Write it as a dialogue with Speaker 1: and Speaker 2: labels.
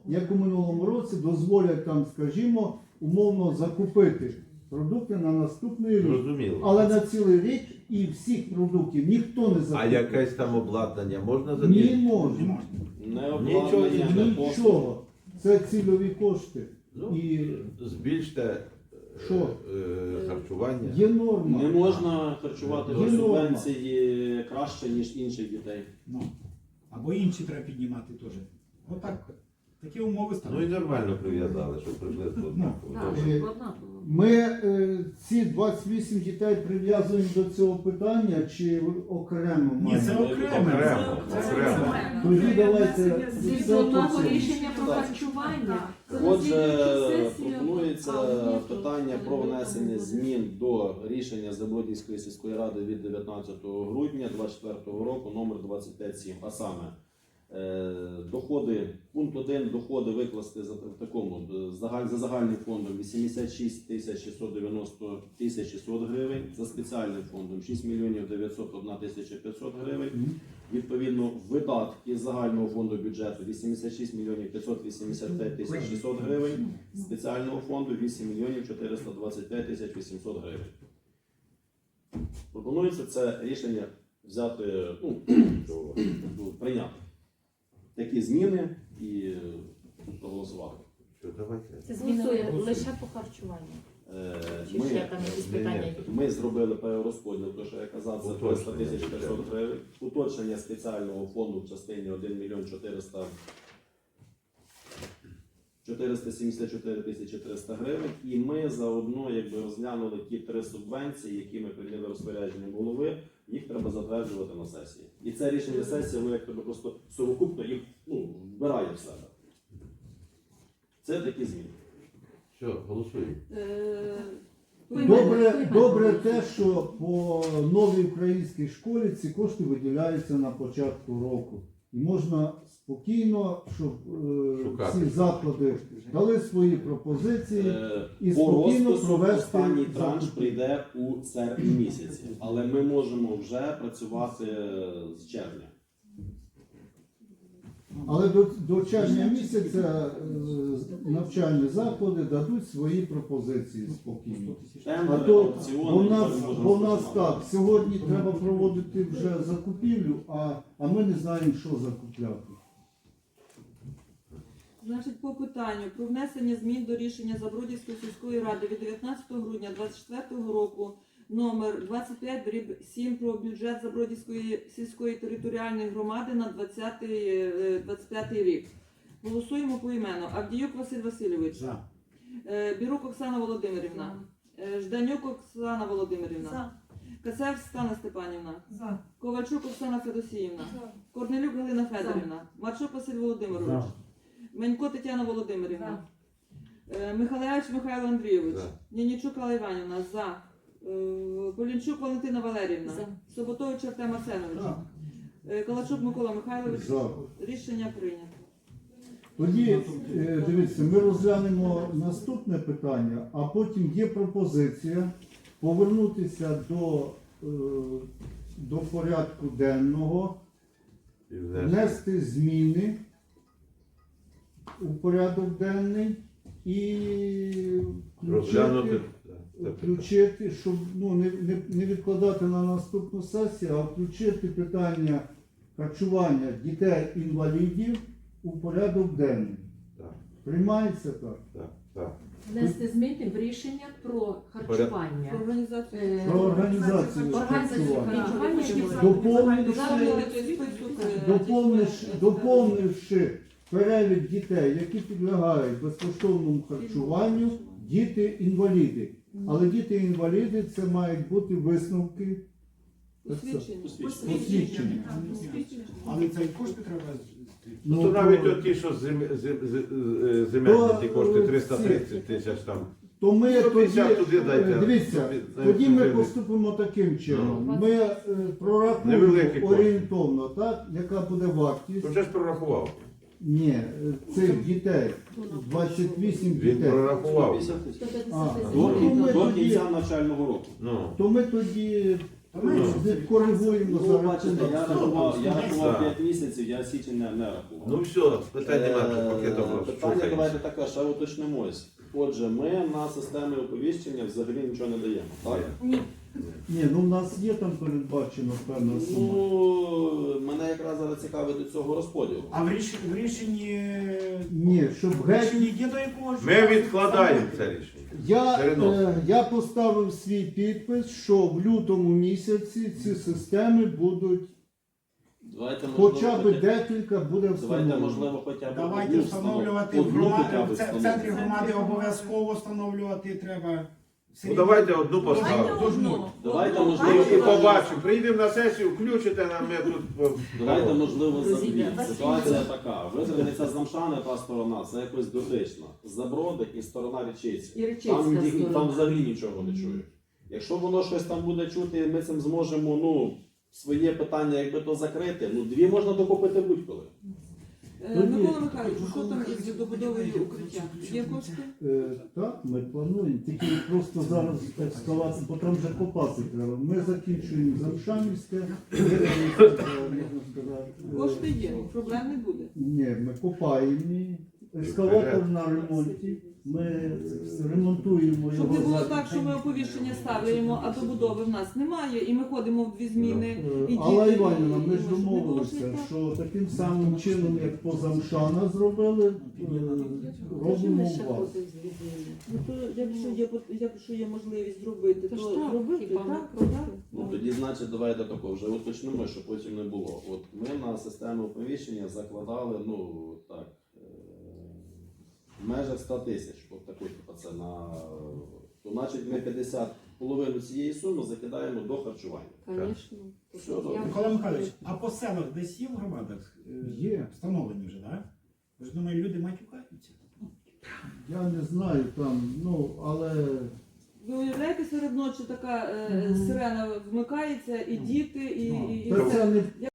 Speaker 1: як у минулому році, дозволять там, скажімо, умовно закупити продукти на наступний рік.
Speaker 2: Зрозуміло.
Speaker 1: Але на цілий рік і всіх продуктів ніхто не
Speaker 2: А
Speaker 1: закупить.
Speaker 2: якесь там обладнання можна
Speaker 1: Не
Speaker 2: задіяти?
Speaker 1: можна.
Speaker 3: Не
Speaker 2: Нічого,
Speaker 3: обладнання, не
Speaker 1: Нічого. Це цільові кошти.
Speaker 2: Ну,
Speaker 1: І
Speaker 2: збільште
Speaker 1: Що?
Speaker 2: харчування.
Speaker 1: є норма.
Speaker 3: Не можна харчувати
Speaker 1: Є
Speaker 3: до
Speaker 1: норма.
Speaker 3: субвенції краще, ніж інших дітей.
Speaker 4: Ну, або інші треба піднімати теж. Отак. Такі умови
Speaker 2: Ну і
Speaker 4: ставлять.
Speaker 2: нормально прив'язали, щоб приблизно однаково.
Speaker 5: Так,
Speaker 2: Добре.
Speaker 5: щоб однаково.
Speaker 1: Ми ці 28 дітей прив'язуємо до цього питання чи окремо
Speaker 4: Ні,
Speaker 1: маємо?
Speaker 4: це окремо.
Speaker 2: Окремо.
Speaker 1: Тоді давайте
Speaker 5: Згідно
Speaker 1: все по
Speaker 5: того
Speaker 1: цьому.
Speaker 5: рішення про
Speaker 3: Так.
Speaker 5: харчування. це на
Speaker 3: Отже,
Speaker 5: слідуючу сесію,
Speaker 3: пропонується
Speaker 5: а ні, то
Speaker 3: питання про
Speaker 5: не
Speaker 3: внесення
Speaker 5: буде.
Speaker 3: змін до рішення Забродівської сільської ради від 19 грудня 2024 року номер 25.7. А саме доходи, пункт 1, доходи викласти за в такому за загальним фондом 86 тисяч 690 тисяч 600 гривень, за спеціальним фондом 6 мільйонів 901 тисяча 500 гривень. Відповідно, видатки з загального фонду бюджету 86 мільйонів 585 тисяч 600 гривень, з спеціального фонду 8 мільйонів 425 тисяч 800 гривень. Пропонується це рішення взяти, прийняти такі зміни і проголосувати.
Speaker 2: Що, давайте.
Speaker 5: Це зміни лише по харчуванню. Чи ще там якісь питання є?
Speaker 3: Ми зробили перерозподіл, то що я казав, за 300 тисяч 500 гривень. Уточнення спеціального фонду в частині 1 мільйон 474 тисячі 300 гривень. І ми заодно розглянули ті 3 субвенції, які ми прийняли розпорядженням голови, їх треба затверджувати на сесії. І це рішення сесії, воно просто совокупно їх вбирає в себе. Це такі зміни.
Speaker 2: Все, голосуємо.
Speaker 1: Добре те, що по новій українській школі ці кошти виділяються на початку року. І можна спокійно, щоб
Speaker 2: Шукати.
Speaker 1: всі заклади дали свої пропозиції і
Speaker 3: По
Speaker 1: спокійно
Speaker 3: розпису
Speaker 1: провести
Speaker 3: останній транш
Speaker 1: закупівлю.
Speaker 3: прийде у серпні місяці, але ми можемо вже працювати з червня.
Speaker 1: Але до червня місяця навчальні заклади дадуть свої пропозиції спокійно. А
Speaker 3: Тендери,
Speaker 1: то
Speaker 3: аукціони,
Speaker 1: бо в нас так, сьогодні треба проводити вже закупівлю, а ми не знаємо, що закупляти.
Speaker 6: Значить, по питанню про внесення змін до рішення Забродівської сільської ради від 19 грудня 2024 року номер 25/7 про бюджет Забродівської сільської територіальної громади на 25 рік. Голосуємо поіменно. Авдіюк Василь Васильович.
Speaker 4: За.
Speaker 6: Бірук Оксана Володимирівна. Жданюк Оксана Володимирівна. Касев Стана Степанівна. Ковальчук Оксана Федосіївна. Корнелюк Галина Федорівна. Марчук Василь Володимирович. Менько Тетяна Володимирівна. Михайлович Михайло Андрійович. Нінічук Алла Іванівна. За. Полінчук Валентина Валеріївна. Соботович Артем Арсенович. Калачук Микола Михайлович.
Speaker 1: За.
Speaker 6: Рішення прийнято.
Speaker 1: Тоді, дивіться, ми розглянемо наступне питання, а потім є пропозиція повернутися до порядку денного,
Speaker 2: І внести.
Speaker 1: внести зміни у порядок денний і
Speaker 2: Розглянути.
Speaker 1: включити, щоб не відкладати на наступну сесію, а включити питання харчування дітей-інвалідів у порядок денний.
Speaker 2: Так.
Speaker 1: Приймається так?
Speaker 2: Так.
Speaker 5: Внести зміни в рішення про харчування.
Speaker 6: Про організацію.
Speaker 1: Про організацію
Speaker 5: Організацію
Speaker 1: харчування.
Speaker 5: харчування.
Speaker 1: Доповнивши перелік дітей, які підлягають безкоштовному харчуванню, діти-інваліди. Але діти-інваліди це мають бути висновки посвідчення.
Speaker 4: Але це і кошти треба.
Speaker 2: Ну, то навіть ті, що земельні, ті кошти 330 тисяч там.
Speaker 1: То ми
Speaker 2: Ну,
Speaker 1: тоді,
Speaker 2: 50 туди дайте.
Speaker 1: дивіться,
Speaker 2: Туди,
Speaker 1: тоді ми
Speaker 2: туди.
Speaker 1: поступимо таким чином.
Speaker 5: Ну.
Speaker 1: Ми прорахуємо
Speaker 2: Невеликі кошти.
Speaker 1: орієнтовно, так, яка буде вартість.
Speaker 2: То вже ж прорахував.
Speaker 1: Ні, цих дітей, 28
Speaker 2: Він
Speaker 1: дітей.
Speaker 2: прорахував.
Speaker 3: 150 тисяч.
Speaker 5: 150
Speaker 1: Ну, ми
Speaker 3: До
Speaker 1: тоді-
Speaker 3: кінця навчального року.
Speaker 2: Ну,
Speaker 1: То ми тоді
Speaker 4: То менше.
Speaker 1: Коригуємо
Speaker 3: Ну,
Speaker 1: за
Speaker 3: бачите, я
Speaker 1: рахунок.
Speaker 3: рахував
Speaker 2: Так.
Speaker 3: 5 місяців, я січень не рахував.
Speaker 2: Ну все, питань немає, пакетом
Speaker 3: Питання давайте таке, ще уточнимось. Отже, ми на системі оповіщення взагалі нічого не даємо, так?
Speaker 5: Ні.
Speaker 1: Ні, ну в нас є там передбачено певна сума.
Speaker 3: Ну, мене якраз зараз цікавить до цього розподілу.
Speaker 4: А в рішенні...
Speaker 1: Ні, щоб
Speaker 4: в
Speaker 1: геть.
Speaker 4: рішенні є до якогось...
Speaker 2: Ми відкладаємо це рішення.
Speaker 1: Я поставив свій підпис, що в лютому місяці ці системи будуть
Speaker 3: Давайте,
Speaker 1: хоча б
Speaker 3: можливо,
Speaker 1: декілька буде
Speaker 3: давайте,
Speaker 1: встановлено.
Speaker 3: можливо, хоча б
Speaker 4: Давайте
Speaker 3: одну
Speaker 4: встановлювати в
Speaker 3: одну хоча б
Speaker 4: громаді, в центрі
Speaker 3: встановити.
Speaker 4: громади обов'язково встановлювати треба.
Speaker 2: Ну давайте одну
Speaker 5: Давайте
Speaker 2: поставимо.
Speaker 5: одну.
Speaker 3: Давайте,
Speaker 5: Одну.
Speaker 3: можливо,
Speaker 2: І побачимо, прийдемо на сесію, включите нам, ми тут...
Speaker 3: Давайте, можливо, за дві.
Speaker 5: Друзі,
Speaker 3: Ситуація така. Визраниця з Намшани, та сторона, це якось дотична. Заброди і сторона Речицька.
Speaker 5: І Речицька
Speaker 3: Там,
Speaker 5: сторона.
Speaker 3: там взагалі нічого не чують. Якщо воно щось там буде чути, ми цим зможемо, ну, своє питання, якби то закрити, ну, дві можна докупити будь-коли.
Speaker 6: Микола Михайлович, що там із добудовою укриття? Є кошти?
Speaker 1: Так, ми плануємо. Тільки просто зараз ескалація, бо там вже копати треба. Ми закінчуємо Замшанівське, можна сказати.
Speaker 6: Кошти є, проблем не буде.
Speaker 1: Ні, ми копаємо її. Ескалатор на ремонті. Ми ремонтуємо
Speaker 6: Щоб не
Speaker 1: його.
Speaker 6: було
Speaker 1: за-
Speaker 6: так, що ми оповіщення ставимо, а добудови в нас немає, і ми ходимо в дві зміни. І
Speaker 1: Алла
Speaker 6: діти,
Speaker 1: Іванівна,
Speaker 6: і
Speaker 1: ми ж
Speaker 6: може, не
Speaker 1: домовилися,
Speaker 6: може так.
Speaker 1: що таким самим чином, як по Замшана зробили, робимо
Speaker 5: Ми ще
Speaker 1: у вас.
Speaker 5: ходимо з відділення.
Speaker 6: Ну, то якщо є можливість зробити,
Speaker 5: То
Speaker 6: то
Speaker 5: ж так,
Speaker 6: зробити,
Speaker 5: хіба ми
Speaker 6: так?
Speaker 5: проти?
Speaker 3: Ну, тоді, значить, давайте тако, вже уточнимо, щоб потім не було. От ми на систему оповіщення закладали, ну, так, в межах 100 тисяч, от таку, типу, це на... То, значить, ми 50, половину цієї суми закидаємо до харчування.
Speaker 5: Звісно.
Speaker 3: Все добре.
Speaker 4: Микола Михайлович, а по селах десь є в громадах?
Speaker 1: Є.
Speaker 4: Встановлені вже, так? Ви ж думаю, люди матюкаються.
Speaker 1: Я не знаю там, ну, але
Speaker 6: Ви уявляєте, серед ночі така сирена вмикається, і діти, і
Speaker 1: та це не